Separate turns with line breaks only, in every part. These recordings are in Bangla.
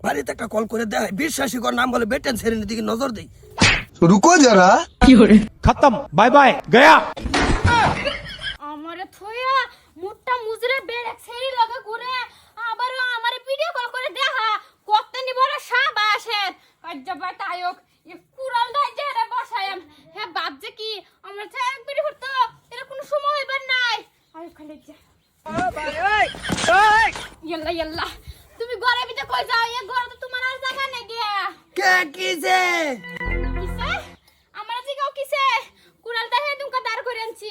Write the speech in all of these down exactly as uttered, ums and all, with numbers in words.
বাড়িতে একটা কল করে দেয় বিশ্বাসী কর নাম বলে বেটেন সেরেনের দিকে নজর দেই
रुको जरा
खत्म बाय बाय गया
আমারে থইয়া মুটটা মুজরে বেরেক সেরি লাগা ঘুরে আবার আমারে ভিডিও কল করে দেখা কতনি বড় সাবা আসে কাজ্জাবা তায়ক এ কুরাল দাই যে রে বসায়াম হে বাপ যে কি আমার ছায়া বিড়ি হতো এর কোনো সময় হইবার নাই আই খালি যা ও ভাই ওই ওই ইয়াল্লা ইয়াল্লা তুমি ঘরে ভিতরে কই যাও এ ঘরে তো তোমার আর জায়গা নেই গিয়া
কে কিছে
কিসে আমার জিগাও কিসে কুরাল দাই হে তুমি দাঁড় করে আনছি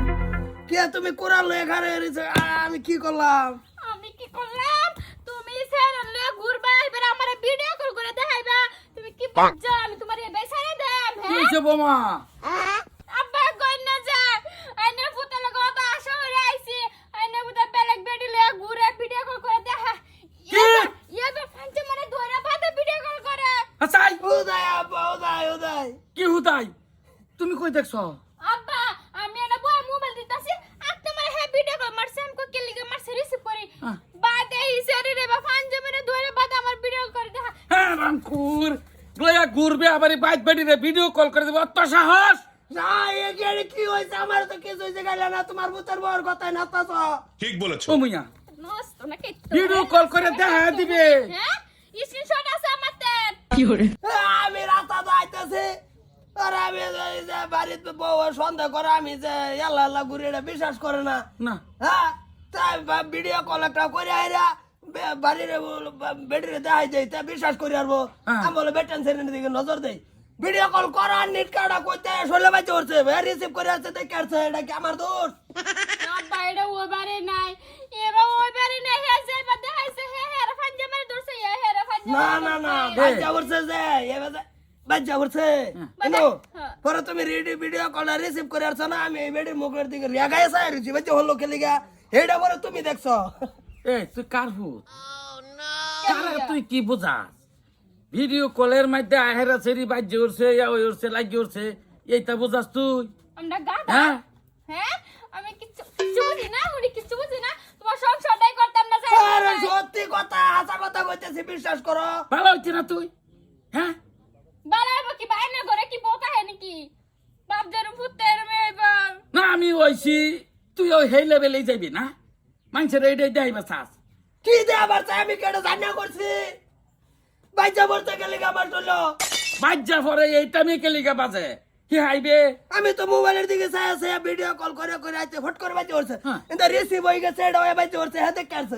কে তুমি কোরআন লয়ে ঘরে এসে আমি কি করলাম
আমি কি করলাম তুমি সেরন লয়ে ঘুরবা এবার আমারে ভিডিও কল করে দেখাইবা তুমি কি বুঝছো আমি তোমারে বেসারে দেম হ্যাঁ
কিছে বোমা
আব্বা কই না যা আইনে ফুতে লাগো তো আশা হইরা আইছি আইনে বুদা বেলেগ বেডি লয়ে ঘুরে ভিডিও কল করে দেখা
কি?
ইয়া তো ফাঞ্চে মানে ধরে বাদে ভিডিও কল করে
হাসাই
উদয় আব্বা উদয় উদয়
কি হুদাই তুমি কই দেখছো
আব্বা আমি এনে বয় মোবাইল দিতাছি আর তোমার হে ভিডিও কল মারছে আমি কই লিগে মারছে রিসিভ করি
হ্যাঁ।
বাদে হিসারে রে বা ফাঞ্চে মানে ধরে বাদে আমার ভিডিও করে দেখা
হ্যাঁ রামকুর লয়া ঘুরবে আবার এই বাইক বাড়ি রে ভিডিও কল করে দেব অত সাহস
না এ গেলে কি হইছে আমার তো কিছু হইছে গাইলা না তোমার বুতের বউর কথাই না তাছ
ঠিক বলেছো
ও মুইয়া
নষ্ট নাকি
ভিডিও কল করে দেখা দিবে
হ্যাঁ স্ক্রিনশট আছে আমাতে
আমি রাস্তা যাইতেছি আর আমি এই যে বাড়িতে বউ সন্দেহ করে আমি যে আল্লাহ আল্লাহ ঘুরে এটা বিশ্বাস করে না
না
হ্যাঁ তাই ভিডিও কল একটা করে আইরা বে- বাড়ির বেডিরে দেখাই যাই তা বিশ্বাস করি আরবো
হ্যাঁ।
আমি বলে বেটেন সেরেনের দিকে নজর দেই ভিডিও কল করার নিট কাটা কইতে শোলে বাজে উঠছে রিসিভ করে আসছে দেখে আসছে এটা কি আমার দোষ
আব্বা এটা ওই বারে নাই এবার ওই বারে নাই হে যে বাদে আইছে হে হে রে ফাঞ্জে মেরে দূরছে হে হে রে ফাঞ্জে
না না না বাচ্চা উঠছে যে এবার বাচ্চা উঠছে কিন্তু পরে তুমি রেডি ভিডিও কল রিসিভ করে আসছো না আমি এই বেডির মুখের দিকে রেগায় চাই রয়েছি বাচ্চা হলো খেলে গা এইটা পরে তুমি দেখছো
এ তুই কার হুত কারা তুই কি বুঝাস ভিডিও কলের মধ্যে আহেরা সেরি বাজ্যে উঠছে ইয়া ওই উঠছে লাগিয়ে উঠছে এইটা বুঝাস তুই
আমরা গাদা
হ্যাঁ
হ্যাঁ আমি কিছু কিছু বুঝি না উনি কিছু বুঝি না তোমার সংসারটাই করতাম না যাই
আরে সত্যি কথা আশা কথা কইতেছি বিশ্বাস করো
ভালো হচ্ছে না তুই হ্যাঁ
বালাইব কি বাইনা করে কি বোকা হে নাকি বাপ জেরু ফুতের মেবা
না আমি ওইছি তুই ওই হেই লেভেলেই যাবি না মানুষের এইটাই দেখাইবা চাস
কি দে আবার চাই আমি কেটে জানা করছি বাচ্চা বলতে গেলে আমার চলো
বাজ্যা পরে এইটা মেয়ে লিগা বাজে কি হাইবে
আমি তো মোবাইলের দিকে চাই আছে ভিডিও কল করে করে আইতে ফট করে বাচ্চা উঠছে
হ্যাঁ।
কিন্তু রিসিভ হয়ে গেছে এটা হয়ে বাচ্চা উঠছে হ্যাঁ দেখে আসছে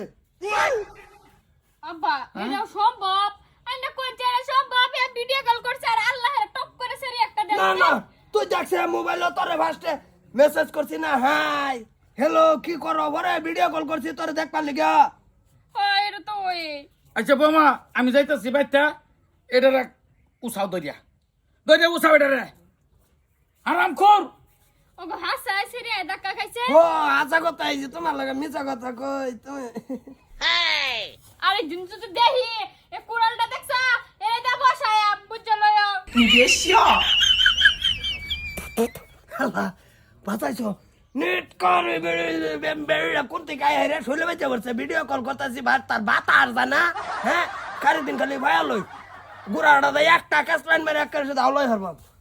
আব্বা এটা সম্ভব আইনা কোন চেরা সম্ভব এ ভিডিও কল করছে আর আল্লাহর টপ করে সেরি একটা দেন
না না তুই দেখছে মোবাইল তোরে ফার্স্টে মেসেজ করছি না হাই হ্যালো কি করো বরে ভিডিও কল করছি তোরে দেখ পারলি গা
হয় এটা তো ওই
আচ্ছা বোমা আমি যাইতেছি বাইতা এটা রাখ উসাও দরিয়া দরিয়া উসাও এটা রে আরাম কর
ওগো হাসা সেরি ধাক্কা খাইছে
ও আশা কথা এই যে তোমার লাগে মিছা কথা কই তুমি
আরে দিন তো দেখি এ কুড়ালটা দেখছা এরে দা বসায় বুঝছো লয়
আল্লাহ বাঁচাইছো নেট করে বেড়ে কোনতে গায়ে রে শুলে বেঁচে পড়ছে ভিডিও কল করতেছি ভাত তার ভাত আর জানা হ্যাঁ কারি দিন খালি ভায়া লই গুড়াটা একটা কাজ লাইন মেরে এক করে শুধু আলোয় হরবাম